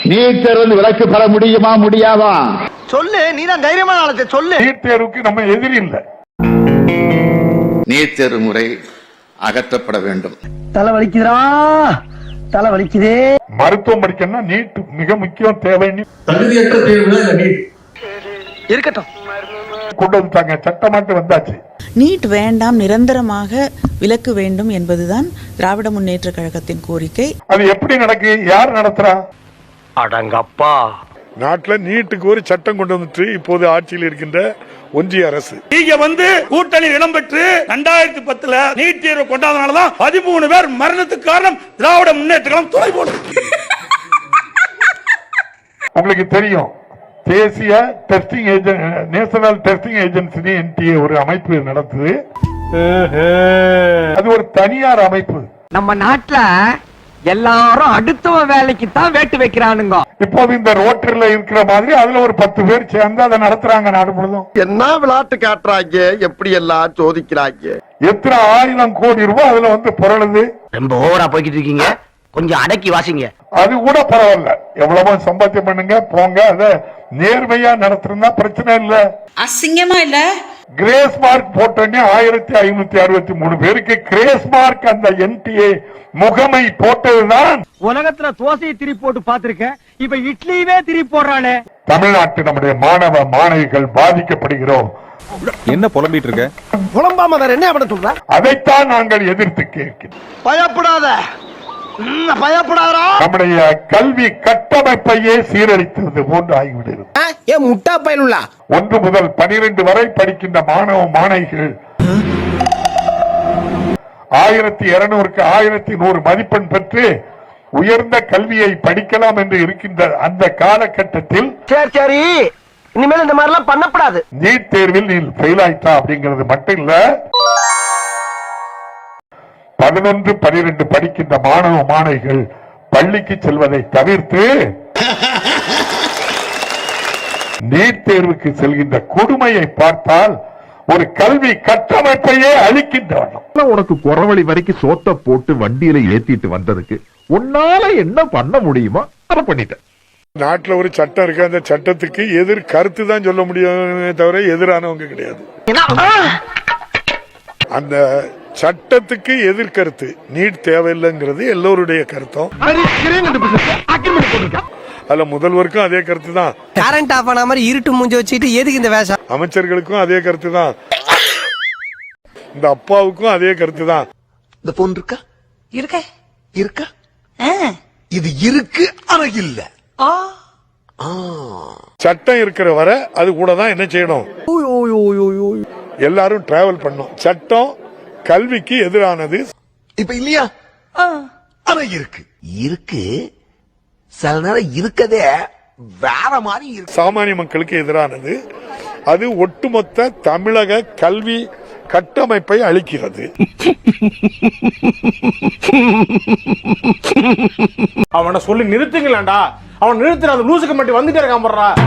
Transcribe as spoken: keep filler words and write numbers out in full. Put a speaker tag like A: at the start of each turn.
A: NEET தேர்வு விலக்கு பெற முடியுமா முடியாதா?
B: சொல்லு, நீதான் தைரியமான ஆளத்தை சொல்லு.
C: நீட் தேர்வுக்கு நம்ம எதிரி இல்லை.
D: நீட் தேர்வு முறை அகற்றப்பட வேண்டும்.
B: தலை வலிக்குதா, தலை வலிக்குதே.
C: மருத்துவம் படிக்கணும்னா நீட் மிக முக்கியம். தேவைன்னு
E: தகுதியற்ற தேர்வுல நீட்
B: இருக்கட்டும்
C: கொண்டு வந்துட்டாங்க, சட்டமாட்டு வந்தாச்சு.
F: நீட் வேண்டாம், நிரந்தரமாக விலக்கு வேண்டும் என்பதுதான் திராவிட முன்னேற்ற கழகத்தின் கோரிக்கை.
C: அது எப்படி நடக்கு? யார் நடத்துறா?
B: அடங்கப்பா.
C: நாட்டுல நீட்டுக்கு ஒரு சட்டம் கொண்டு வந்துட்டு இப்போது ஆட்சியில் இருக்கின்ற ஒன்றிய அரசு.
G: நீங்க வந்து கூட்டணி இடம்பெற்று இரண்டாயிரத்தி பத்துல நீட் தேர்வு கொண்டாதனாலதான் பதிமூணு பேர் மரணத்துக்கு காரணம் திராவிட முன்னேற்ற கழகம் துணை போடும்.
C: உங்களுக்கு தெரியும், தேசிய testing agency, national testing agency NTA ஒரு அமைப்பு நடத்துது. அது ஒரு தனியார் அமைப்பு.
B: நம்ம நாட்டுல எல்லாரும் அடுத்தவ வேலைக்கு தான் வேட்டு வைக்கிறானுங்க.
C: இப்போது இந்த ரோட்டரில இருக்கிற மாதிரி அதுல ஒரு பத்து பேர் சேர்ந்து அதை நடத்துறாங்க நாடு முழுதும்.
H: என்ன விளையாட்டு காட்டுறாங்க, எப்படி எல்லாம் சோதிக்கிறாங்க.
C: எத்தனை ஆயிரம் கோடி ரூபாய் அதுல வந்து புரளுது.
B: ரொம்ப ஓவரா போய்கிட்டு இருக்கீங்க, கொஞ்சம் அடக்கி வாசிங்க.
C: அது கூட பரவாயில்ல, எவ்வளவோ சம்பாத்தியம் பண்ணுங்க போங்க. அத நேர்மையா நடத்துறதா பிரச்சனை இல்ல.
F: அசிங்கமா இல்ல?
C: கிரேஸ் மார்க் போட்டோன்னே ஆயிரத்தி ஐநூத்தி அறுபத்தி மூணு பேருக்கு கிரேஸ் மார்க் அந்த என்டிஏ முகமை போட்டதுதான்.
B: உலகத்துல தோசையை திருப்பி போட்டு பாத்திருக்கேன், இப்ப இட்லியவே திருப்பி போடுறானே.
C: தமிழ்நாட்டு நம்முடைய மாணவ மாணவிகள் பாதிக்கப்படுகிறோம்.
E: என்ன புலம்பிட்டு இருக்க?
B: புலம்பாம வேற என்ன பண்ண சொல்ற?
C: அதைத்தான் நாங்கள் எதிர்த்து கேட்கிறோம்.
B: பயப்படாத, பயப்படாதா.
C: நம்முடைய கல்வி கட்டமைப்பையே சீரழித்தது போன்று ஆகிவிடுகிறது.
B: ஏன் முட்டா பயனுள்ளா?
C: ஒன்று முதல் பனிரெண்டு வரை படிக்கின்ற மாணவ மாணவிகள் ஆயிரத்தி இருநூறுக்கு ஆயிரத்தி நூறு மதிப்பெண் பெற்று உயர்ந்த கல்வியை படிக்கலாம் என்று இருக்கின்ற அந்த காலகட்டத்தில்
B: சரி சரி, இனிமேல் இந்த மாதிரி எல்லாம் பண்ணப்படாது.
C: நீட் தேர்வில் நீ ஃபெயில் ஆயிட்டா அப்படிங்கிறது மட்டும் இல்ல, பதினொன்று பனிரெண்டு படிக்கின்ற மாணவ மாணவிகள் பள்ளிக்கு செல்வதை தவிர்த்து நீட் தேர்வுக்கு செல்கின்ற கொடுமையை பார்த்தால் ஒரு கல்வி கட்டமைப்பையே அளிக்கின்றவன்.
I: உனக்கு குறவழி வரைக்கும் சோத்த போட்டு வண்டியில ஏத்திட்டு வந்ததுக்கு உன்னால என்ன பண்ண முடியுமோ அதை பண்ணிட்டேன்.
C: நாட்டுல ஒரு சட்டம் இருக்கு, அந்த சட்டத்துக்கு எதிர் கருத்து தான் சொல்ல முடியுமே தவிர எதிரானவங்க கிடையாது. அந்த சட்டத்துக்கு எதிர்கருத்து நீட் தேவையில்லைங்கிறது எல்லோருடைய கருத்தும். அதுல முதல்வருக்கும் அதே கருத்து தான்.
B: கரண்ட் ஆஃப் ஆன மாதிரி இருட்டு மூஞ்சி வச்சுட்டு எதுக்கு இந்த வேஷம்?
C: அமைச்சர்களுக்கும் அதே கருத்து தான். இந்த அப்பாவுக்கும் அதே கருத்து தான்.
H: இந்த போன் இருக்கா?
F: இருக்க
H: இருக்கா? இது இருக்கு, ஆனா இல்ல.
C: சட்டம் இருக்கிற வரை அது கூட தான் என்ன செய்யணும், எல்லாரும் டிராவல் பண்ணும். சட்டம் கல்விக்கு எதிரானது.
H: இப்ப இல்லையா? ஆனா இருக்கு, இருக்கு. சில நேரம் இருக்கதே வேற மாதிரி இருக்கு.
C: சாமானிய மக்களுக்கு எதிரானது. அது ஒட்டுமொத்த தமிழக கல்வி கட்டமைப்பை அளிக்கிறது.
G: அவனை சொல்லி நிறுத்துங்களேன்டா. அவன் நிறுத்துற அந்த லூசுக்கு மட்டும் வந்துட்டே இருக்கான்.